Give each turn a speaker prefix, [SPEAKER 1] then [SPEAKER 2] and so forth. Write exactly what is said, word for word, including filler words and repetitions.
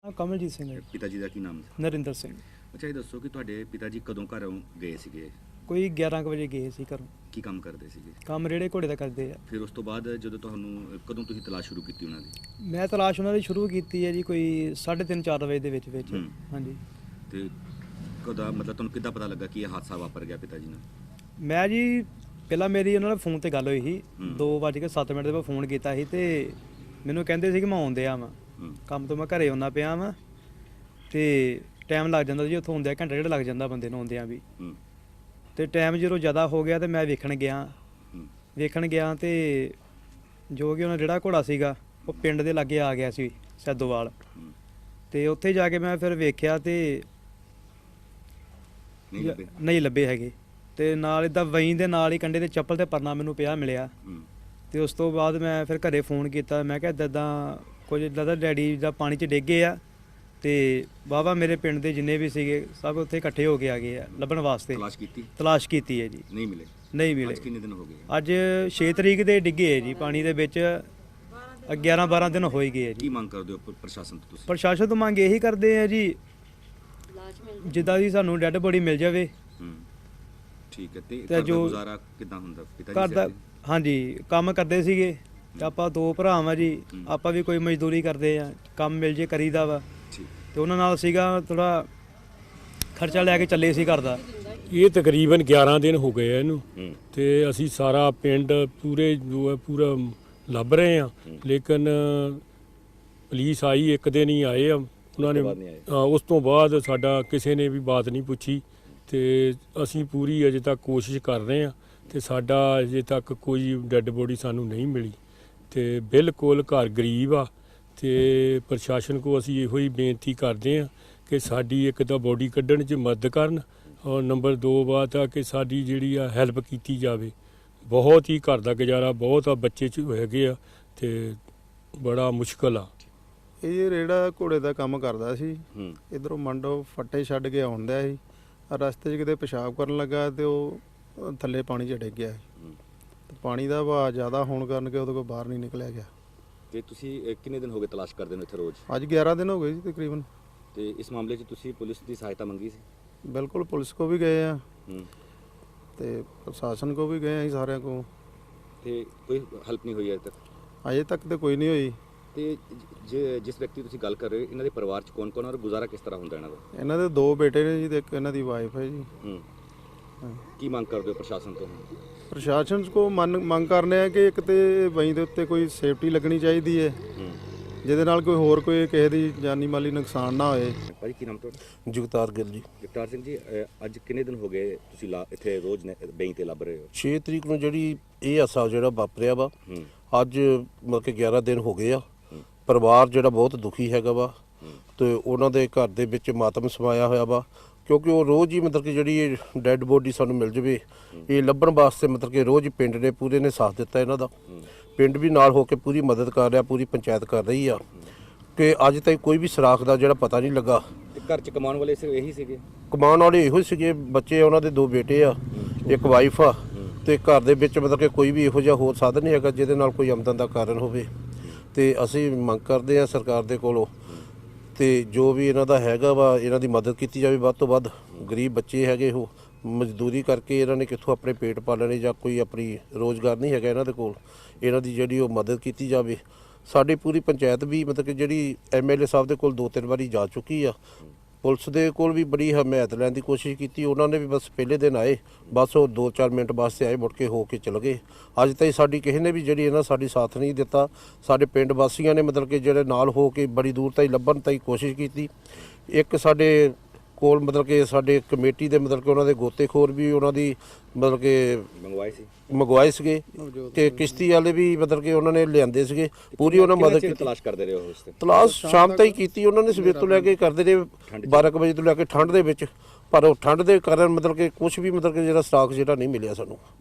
[SPEAKER 1] ਕਮਲਜੀਤ ਸਿੰਘ ਹੈ।
[SPEAKER 2] ਪਿਤਾ ਜੀ ਦਾ ਕੀ ਨਾਮ ਸੀ?
[SPEAKER 1] ਨਰਿੰਦਰ ਸਿੰਘ।
[SPEAKER 2] ਅੱਛਾ, ਇਹ ਦੱਸੋ ਕਿ ਤੁਹਾਡੇ ਪਿਤਾ ਜੀ ਕਦੋਂ ਘਰੋਂ ਗਏ ਸੀਗੇ?
[SPEAKER 1] ਕੋਈ ਗਿਆਰਾਂ ਕੁ ਵਜੇ ਗਏ ਸੀ ਘਰੋਂ।
[SPEAKER 2] ਕੀ ਕੰਮ ਕਰਦੇ ਸੀਗੇ?
[SPEAKER 1] ਕੰਮ ਰੇੜੇ ਘੋੜੇ ਦਾ ਕਰਦੇ ਆ।
[SPEAKER 2] ਫਿਰ ਉਸ ਤੋਂ ਬਾਅਦ ਜਦੋਂ ਤੁਹਾਨੂੰ ਕਦੋਂ ਤੁਸੀਂ ਤਲਾਸ਼ ਸ਼ੁਰੂ ਕੀਤੀ ਉਹਨਾਂ ਦੀ?
[SPEAKER 1] ਮੈਂ ਤਲਾਸ਼ ਉਹਨਾਂ ਦੀ ਸ਼ੁਰੂ ਕੀਤੀ ਹੈ ਜੀ ਕੋਈ ਸਾਢੇ ਤਿੰਨ ਚਾਰ ਵਜੇ ਦੇ ਵਿੱਚ ਵਿੱਚ।
[SPEAKER 2] ਹੂੰ।
[SPEAKER 1] ਹਾਂਜੀ।
[SPEAKER 2] ਤੇ ਕਦੋਂ ਮਤਲਬ ਤੁਹਾਨੂੰ ਕਿੱਦਾਂ ਪਤਾ ਲੱਗਾ ਕਿ ਇਹ ਹਾਦਸਾ ਵਾਪਰ ਗਿਆ ਪਿਤਾ ਜੀ ਨਾਲ?
[SPEAKER 1] ਮੈਂ ਜੀ ਪਹਿਲਾਂ ਮੇਰੀ ਉਹਨਾਂ ਨਾਲ ਫੋਨ ਤੇ ਗੱਲ ਹੋਈ ਸੀ।
[SPEAKER 2] ਹੂੰ।
[SPEAKER 1] ਦੋ ਵੱਜ ਕੇ ਸੱਤ ਮਿੰਟ ਦੇ ਬਾਅਦ ਫੋਨ ਕੀਤਾ ਸੀ ਤੇ ਮੈਨੂੰ ਕਹਿੰਦੇ ਸੀ ਕਿ ਮੈਂ ਆਉਂਦੇ ਆ ਵਾਂ
[SPEAKER 2] ਹੂੰ।
[SPEAKER 1] ਕੰਮ ਤੋਂ, ਮੈਂ ਘਰੇ ਆਉਣਾ ਪਿਆ ਵਾਂ ਤੇ ਟਾਈਮ ਲੱਗ ਜਾਂਦਾ ਜੀ ਉੱਥੋਂ ਆਉਂਦਿਆਂ, ਘੰਟਾ ਡੇਢ ਲੱਗ ਜਾਂਦਾ ਬੰਦੇ ਨੂੰ ਆਉਂਦਿਆਂ ਵੀ।
[SPEAKER 2] ਹੂੰ।
[SPEAKER 1] ਤੇ ਟਾਈਮ ਜਦੋਂ ਜ਼ਿਆਦਾ ਹੋ ਗਿਆ ਤੇ ਮੈਂ ਵੇਖਣ ਗਿਆ
[SPEAKER 2] ਹੂੰ।
[SPEAKER 1] ਵੇਖਣ ਗਿਆ ਤੇ ਜੋ ਕਿ ਉਹਨਾਂ ਜਿਹੜਾ ਘੋੜਾ ਸੀਗਾ ਉਹ ਪਿੰਡ ਦੇ ਲਾਗੇ ਆ ਗਿਆ ਸੀ ਸੈਦੋਵਾਲ।
[SPEAKER 2] ਹੂੰ।
[SPEAKER 1] ਤੇ ਉੱਥੇ ਜਾ ਕੇ ਮੈਂ ਫਿਰ ਵੇਖਿਆ ਤੇ
[SPEAKER 2] ਨਹੀਂ ਲੱਭੇ?
[SPEAKER 1] ਨਹੀਂ ਲੱਭੇ ਹੈਗੇ। ਤੇ ਨਾਲ ਇੱਦਾਂ ਵਹੀਂ ਦੇ ਨਾਲ ਹੀ ਕੰਡੇ ਤੇ ਚੱਪਲ ਤੇ ਪਰਨਾ ਮੈਨੂੰ ਪਿਆ ਮਿਲਿਆ।
[SPEAKER 2] ਹੂੰ।
[SPEAKER 1] ਤੇ ਉਸ ਤੋਂ ਬਾਅਦ ਮੈਂ ਫਿਰ ਘਰੇ ਫੋਨ ਕੀਤਾ। ਮੈਂ ਕਿਹਾ ਇੱਦਾਂ ਇੱਦਾਂ ਕੁਝ ਇੱਦਾਂ ਦਾ ਡੈਡੀ ਦਾ ਪਾਣੀ 'ਚ ਡਿੱਗੇ ਆ ਤੇ ਵਾਹਵਾ ਮੇਰੇ ਪਿੰਡ ਦੇ ਜਿੰਨੇ ਵੀ ਸੀਗੇ ਸਭ ਉੱਥੇ ਇਕੱਠੇ ਹੋ ਕੇ ਆ ਗਏ ਆ ਲੱਭਣ ਵਾਸਤੇ।
[SPEAKER 2] ਤਲਾਸ਼ ਕੀਤੀ?
[SPEAKER 1] ਤਲਾਸ਼ ਕੀਤੀ ਹੈ ਜੀ।
[SPEAKER 2] ਨਹੀਂ ਮਿਲੇ?
[SPEAKER 1] ਨਹੀਂ ਮਿਲੇ।
[SPEAKER 2] ਅੱਜ ਕਿੰਨੇ ਦਿਨ ਹੋ ਗਏ?
[SPEAKER 1] ਅੱਜ ਛੇ ਤਰੀਕ ਦੇ ਡਿੱਗੇ ਹੈ ਜੀ ਪਾਣੀ ਦੇ ਵਿੱਚ। ਗਿਆਰਾਂ ਬਾਰਾਂ ਦਿਨ ਹੋ ਹੀ ਗਏ ਆ
[SPEAKER 2] ਕੀ
[SPEAKER 1] ਜੀ।
[SPEAKER 2] ਮੰਗ ਕਰਦੇ ਹੋ ਪ੍ਰਸ਼ਾਸਨ ਤੋਂ ਤੁਸੀਂ?
[SPEAKER 1] ਪ੍ਰਸ਼ਾਸਨ ਤੋਂ ਮੰਗ ਇਹੀ ਕਰਦੇ ਆ ਜੀ ਜਿੱਦਾਂ ਦੀ ਸਾਨੂੰ ਡੈੱਡ ਬੋਡੀ ਮਿਲ ਜਾਵੇ।
[SPEAKER 2] ਹੂੰ। ਠੀਕ ਹੈ। ਤੇ
[SPEAKER 1] ਤੇ
[SPEAKER 2] ਘਰ ਦਾ
[SPEAKER 1] ਜੋ
[SPEAKER 2] ਗੁਜ਼ਾਰਾ ਕਿੱਦਾਂ ਹੁੰਦਾ ਪਿਤਾ ਜੀ
[SPEAKER 1] ਘਰ ਦਾ
[SPEAKER 2] ਸਿਰ ਤੇ?
[SPEAKER 1] ਹਾਂਜੀ ਕੰਮ ਕਰਦੇ ਸੀਗੇ ਤੇ ਆਪਾਂ ਦੋ ਭਰਾ ਵਾਂ ਜੀ।
[SPEAKER 2] ਹੂੰ।
[SPEAKER 1] ਆਪਾਂ ਵੀ ਕੋਈ ਮਜ਼ਦੂਰੀ ਕਰਦੇ ਆ, ਕੰਮ ਮਿਲ ਜੇ ਕਰੀਦਾ ਵਾ।
[SPEAKER 2] ਠੀਕ।
[SPEAKER 1] ਤੇ ਉਹਨਾਂ ਨਾਲ ਸੀਗਾ ਥੋੜਾ ਖਰਚਾ ਲੈ ਕੇ ਚੱਲੇ ਸੀ ਘਰ ਦਾ।
[SPEAKER 3] ਇਹ ਤਕਰੀਬਨ ਗਿਆਰਾਂ ਦਿਨ ਹੋ ਗਏ ਆ ਇਹਨੂੰ।
[SPEAKER 2] ਹੂੰ।
[SPEAKER 3] ਤੇ ਅਸੀਂ ਸਾਰਾ ਪਿੰਡ ਪੂਰੇ ਜੋ ਹੈ ਪੂਰਾ ਲੱਭ ਰਹੇ ਆ, ਲੇਕਿਨ ਪੁਲਿਸ ਆਈ ਇੱਕ ਦਿਨ ਹੀ ਆਏ ਆ ਉਹਨਾਂ ਨੇ।
[SPEAKER 2] ਉਸ ਤੋਂ ਬਾਅਦ ਨਹੀਂ ਆਏ?
[SPEAKER 3] ਹਾਂ, ਉਸ ਤੋਂ ਬਾਅਦ ਸਾਡਾ ਕਿਸੇ ਨੇ ਵੀ ਬਾਤ ਨਹੀਂ ਪੁੱਛੀ। ਤੇ ਅਸੀਂ ਪੂਰੀ ਅਜੇ ਤੱਕ ਕੋਸ਼ਿਸ਼ ਕਰ ਰਹੇ ਆ ਤੇ ਸਾਡਾ ਅਜੇ ਤੱਕ ਕੋਈ ਡੈੱਡ ਬੋਡੀ ਸਾਨੂੰ ਨਹੀਂ ਮਿਲੀ। ਤੇ ਬਿਲਕੁਲ ਘਰ ਗਰੀਬ ਆ ਤੇ ਪ੍ਰਸ਼ਾਸਨ ਕੋ ਅਸੀਂ ਇਹੋ ਹੀ ਬੇਨਤੀ ਕਰਦੇ ਆ ਕਿ ਸਾਡੀ ਇੱਕ ਤਾਂ ਬੋਡੀ ਕੱਢਣ 'ਚ ਮਦਦ ਕਰਨ, ਔਰ ਨੰਬਰ ਦੋ ਬਾਤ ਆ ਕਿ ਸਾਡੀ ਜਿਹੜੀ ਆ ਹੈਲਪ ਕੀਤੀ ਜਾਵੇ। ਬਹੁਤ ਹੀ ਘਰ ਦਾ ਗੁਜ਼ਾਰਾ ਬਹੁਤ ਆ, ਬੱਚੇ 'ਚ ਹੈਗੇ ਆ ਤੇ ਬੜਾ ਮੁਸ਼ਕਲ ਆ।
[SPEAKER 4] ਇਹ ਰੇੜਾ ਘੋੜੇ ਦਾ ਕੰਮ ਕਰਦਾ ਸੀ।
[SPEAKER 2] ਹੂੰ।
[SPEAKER 4] ਇਧਰੋਂ ਮੰਡੋ ਫੱਟੇ ਛੱਡ ਕੇ ਆਉਂਦਾ ਸੀ। ਰਸਤੇ 'ਚ ਕਿਤੇ ਪਿਸ਼ਾਬ ਕਰਨ ਲੱਗਾ ਤੇ ਉਹ ਥੱਲੇ ਪਾਣੀ 'ਚ ਡਿੱਗ ਗਿਆ ਸੀ।
[SPEAKER 2] ਹੂੰ।
[SPEAKER 4] ਤੇ ਪਾਣੀ ਦਾ ਵਹਾਅ ਜ਼ਿਆਦਾ ਹੋਣ ਕਾਰਨ ਕਿ ਉਹਦੇ ਕੋਲ ਬਾਹਰ ਨਹੀਂ ਨਿਕਲਿਆ ਗਿਆ।
[SPEAKER 2] ਤੇ ਤੁਸੀਂ ਅਹ, ਕਿੰਨੇ ਦਿਨ ਹੋ ਗਏ ਤਲਾਸ਼ ਕਰਦੇ ਨੂੰ ਇੱਥੇ ਰੋਜ਼?
[SPEAKER 4] ਅੱਜ ਗਿਆਰਾਂ ਦਿਨ ਹੋ ਗਏ ਜੀ ਤਕਰੀਬਨ।
[SPEAKER 2] ਤੇ ਇਸ ਮਾਮਲੇ 'ਚ ਤੁਸੀਂ ਪੁਲਿਸ ਦੀ ਸਹਾਇਤਾ ਮੰਗੀ ਸੀ?
[SPEAKER 4] ਬਿਲਕੁਲ ਪੁਲਿਸ ਕੋ ਵੀ ਗਏ ਆ
[SPEAKER 2] ਹੂੰ।
[SPEAKER 4] ਤੇ ਪ੍ਰਸ਼ਾਸਨ ਕੋ ਵੀ ਗਏ ਆ ਜੀ, ਸਾਰਿਆਂ ਕੋ।
[SPEAKER 2] ਤੇ ਕੋਈ ਹੈਲਪ ਨਹੀਂ ਹੋਈ ਅਜੇ ਤੱਕ?
[SPEAKER 4] ਅਜੇ ਤੱਕ ਤੇ ਕੋਈ ਨਹੀਂ ਹੋਈ।
[SPEAKER 2] ਤੇ ਜੇ ਜਿਸ ਵਿਅਕਤੀ ਤੁਸੀਂ ਗੱਲ ਕਰ ਰਹੇ ਹੋ ਇਹਨਾਂ ਦੇ ਪਰਿਵਾਰ 'ਚ ਕੌਣ ਕੌਣ ਔਰ ਗੁਜ਼ਾਰਾ ਕਿਸ ਤਰ੍ਹਾਂ ਹੁੰਦਾ ਇਹਨਾਂ ਦਾ?
[SPEAKER 4] ਇਹਨਾਂ ਦੇ ਦੋ ਬੇਟੇ ਨੇ ਜੀ ਤੇ ਇੱਕ ਇਹਨਾਂ ਦੀ ਵਾਈਫ ਹੈ ਜੀ।
[SPEAKER 2] ਹੂੰ।
[SPEAKER 4] ਹਾਂ।
[SPEAKER 2] ਕੀ ਮੰਗ ਕਰਦੇ ਹੋ ਪ੍ਰਸ਼ਾਸਨ ਤੋਂ?
[SPEAKER 4] ਪ੍ਰਸ਼ਾਸਨ ਕੋ ਮੰਨ ਮੰਗ ਕਰਨੇ ਆ ਕਿ ਇੱਕ ਤੇ ਵਹੀਂ ਦੇ ਉੱਤੇ ਕੋਈ ਸੇਫਟੀ ਲੱਗਣੀ ਚਾਹੀਦੀ ਹੈ
[SPEAKER 2] ਹੂੰ।
[SPEAKER 4] ਜਿਹਦੇ ਨਾਲ ਕੋਈ ਹੋਰ ਕੋਈ ਕਿਸੇ ਦੀ ਜਾਨੀ ਮਾਲੀ ਨੁਕਸਾਨ ਨਾ ਹੋਏ।
[SPEAKER 2] ਭਾਜੀ ਕੀ ਨਾਮ ਤੁਹਾਡਾ?
[SPEAKER 5] ਜਗਤਾਰ ਗਿੱਲ ਜੀ।
[SPEAKER 2] ਜਗਤਾਰ ਸਿੰਘ ਜੀ, ਅਹ, ਅੱਜ ਕਿੰਨੇ ਦਿਨ ਹੋ ਗਏ ਤੁਸੀਂ ਲਾ- ਇੱਥੇ ਰੋਜ਼ ਨੇ- ਬੈਂਕ ਤੇ ਲੱਭ ਰਹੇ ਹੋ?
[SPEAKER 5] ਛੇ ਤਰੀਕ ਨੂੰ ਜਿਹੜੀ ਇਹ ਹਾਦਸਾ ਜਿਹੜਾ ਵਾਪਰਿਆ ਵਾ,
[SPEAKER 2] ਹੂੰ।
[SPEAKER 5] ਅੱਜ ਮਤਲਬ ਕਿ ਗਿਆਰਾਂ ਦਿਨ ਹੋ ਗਏ ਆ।
[SPEAKER 2] ਹੂੰ।
[SPEAKER 5] ਪਰਿਵਾਰ ਜਿਹੜਾ ਬਹੁਤ ਦੁਖੀ ਹੈਗਾ ਵਾ
[SPEAKER 2] ਹੂੰ।
[SPEAKER 5] ਤੇ ਉਹਨਾਂ ਦੇ ਘਰ ਦੇ ਵਿੱਚ ਮਾਤਮ ਸਮਾਇਆ ਹੋਇਆ ਵਾ, ਕਿਉਂਕਿ ਉਹ ਰੋਜ਼ ਹੀ ਮਤਲਬ ਕਿ ਜਿਹੜੀ ਡੈੱਡ ਬੋਡੀ ਸਾਨੂੰ ਮਿਲ ਜਵੇ ਇਹ ਲੱਭਣ ਵਾਸਤੇ ਮਤਲਬ ਕਿ ਰੋਜ਼ ਹੀ ਪਿੰਡ ਨੇ ਪੂਰੇ ਨੇ ਸਾਥ ਦਿੱਤਾ ਇਹਨਾਂ ਦਾ।
[SPEAKER 2] ਹੂੰ।
[SPEAKER 5] ਪਿੰਡ ਵੀ ਨਾਲ ਹੋ ਕੇ ਪੂਰੀ ਮਦਦ ਕਰ ਰਿਹਾ, ਪੂਰੀ ਪੰਚਾਇਤ ਕਰ ਰਹੀ ਆ ਕਿ ਅੱਜ ਤਾਈਂ ਕੋਈ ਵੀ ਸੁਰਾਖ ਦਾ ਜਿਹੜਾ ਪਤਾ ਨਹੀਂ ਲੱਗਾ।
[SPEAKER 2] ਤੇ ਘਰ 'ਚ ਕਮਾਉਣ ਵਾਲੇ ਸਿਰਫ ਇਹੀ ਸੀਗੇ?
[SPEAKER 5] ਕਮਾਉਣ ਵਾਲੇ ਇਹੋ ਹੀ ਸੀਗੇ, ਬੱਚੇ ਉਹਨਾਂ ਦੇ ਦੋ ਬੇਟੇ ਆ, ਇੱਕ ਵਾਈਫ ਆ। ਤੇ ਘਰ ਦੇ ਵਿੱਚ ਮਤਲਬ ਕਿ ਕੋਈ ਵੀ ਇਹੋ ਜਿਹਾ ਹੋਰ ਸਾਧਨ ਨਹੀਂ ਹੈਗਾ ਜਿਹਦੇ ਨਾਲ ਕੋਈ ਆਮਦਨ ਦਾ ਕਾਰਨ ਹੋਵੇ। ਤੇ ਅਸੀਂ ਮੰਗ ਕਰਦੇ ਆ ਸਰਕਾਰ ਦੇ ਕੋਲੋਂ ਤੇ ਜੋ ਵੀ ਇਹਨਾਂ ਦਾ ਹੈਗਾ ਵਾ ਇਹਨਾਂ ਦੀ ਮਦਦ ਕੀਤੀ ਜਾਵੇ ਵੱਧ ਤੋਂ ਵੱਧ। ਗਰੀਬ ਬੱਚੇ ਹੈਗੇ, ਉਹ ਮਜ਼ਦੂਰੀ ਕਰਕੇ ਇਹਨਾਂ ਨੇ ਕਿੱਥੋਂ ਆਪਣੇ ਪੇਟ ਪਾਲਣੇ ਜਾਂ ਕੋਈ ਆਪਣੀ ਰੋਜ਼ਗਾਰ ਨਹੀਂ ਹੈਗਾ ਇਹਨਾਂ ਦੇ ਕੋਲ। ਇਹਨਾਂ ਦੀ ਜਿਹੜੀ ਉਹ ਮਦਦ ਕੀਤੀ ਜਾਵੇ। ਸਾਡੀ ਪੂਰੀ ਪੰਚਾਇਤ ਵੀ ਮਤਲਬ ਕਿ ਜਿਹੜੀ ਐਮ ਐਲ ਏ ਸਾਹਿਬ ਦੇ ਕੋਲ ਦੋ ਤਿੰਨ ਵਾਰੀ ਜਾ ਚੁੱਕੀ ਆ। ਪੁਲਿਸ ਦੇ ਕੋਲ ਵੀ ਬੜੀ ਹਮਾਇਤ ਲੈਣ ਦੀ ਕੋਸ਼ਿਸ਼ ਕੀਤੀ, ਉਹਨਾਂ ਨੇ ਵੀ ਬਸ ਪਹਿਲੇ ਦਿਨ ਆਏ, ਬਸ ਉਹ ਦੋ ਚਾਰ ਮਿੰਟ ਵਾਸਤੇ ਆਏ, ਮੁੜ ਕੇ ਹੋ ਕੇ ਚਲੇ ਗਏ। ਅੱਜ ਤਾਈਂ ਸਾਡੀ ਕਿਸੇ ਨੇ ਵੀ ਜਿਹੜੀ ਇਹਨਾਂ ਸਾਡੀ ਸਾਥ ਨਹੀਂ ਦਿੱਤਾ। ਸਾਡੇ ਪਿੰਡ ਵਾਸੀਆਂ ਨੇ ਮਤਲਬ ਕਿ ਜਿਹੜੇ ਨਾਲ ਹੋ ਕੇ ਬੜੀ ਦੂਰ ਤਾਈਂ ਲੱਭਣ ਤਾਈਂ ਕੋਸ਼ਿਸ਼ ਕੀਤੀ। ਇੱਕ ਸਾਡੇ ਕੋਲ ਮਤਲਬ ਕਿ ਸਾਡੇ ਕਮੇਟੀ ਦੇ ਮਤਲਬ ਕਿ ਉਹਨਾਂ ਦੇ ਗੋਤੇਖੋਰ ਵੀ ਉਹਨਾਂ ਦੀ ਮਤਲਬ ਕਿ
[SPEAKER 2] ਮੰਗਵਾਏ ਸੀ
[SPEAKER 5] ਮੰਗਵਾਏ ਸੀਗੇ ਤੇ ਕਿਸ਼ਤੀ ਵਾਲੇ ਵੀ ਮਤਲਬ ਕਿ ਉਹਨਾਂ ਨੇ ਲਿਆਂਦੇ ਸੀਗੇ, ਪੂਰੀ ਉਹਨਾਂ ਮਦਦ ਕੀਤੀ।
[SPEAKER 2] ਤਲਾਸ਼ ਕਰਦੇ ਰਹੇ ਹੋ ਉਸ ਤੇ?
[SPEAKER 5] ਤਲਾਸ਼ ਸ਼ਾਮ ਤਾਈਂ ਕੀਤੀ ਉਹਨਾਂ ਨੇ, ਸਵੇਰ ਤੋਂ ਲੈ ਕੇ ਕਰਦੇ ਰਹੇ ਬਾਰਾਂ ਕੁ ਵਜੇ ਤੋਂ ਲੈ ਕੇ ਠੰਡ ਦੇ ਵਿੱਚ। ਪਰ ਉਹ ਠੰਡ ਦੇ ਕਾਰਨ ਮਤਲਬ ਕਿ ਕੁਝ ਵੀ ਮਤਲਬ ਕਿ ਜਿਹੜਾ ਸਟਾਕ ਜਿਹੜਾ ਨਹੀਂ ਮਿਲਿਆ ਸਾਨੂੰ।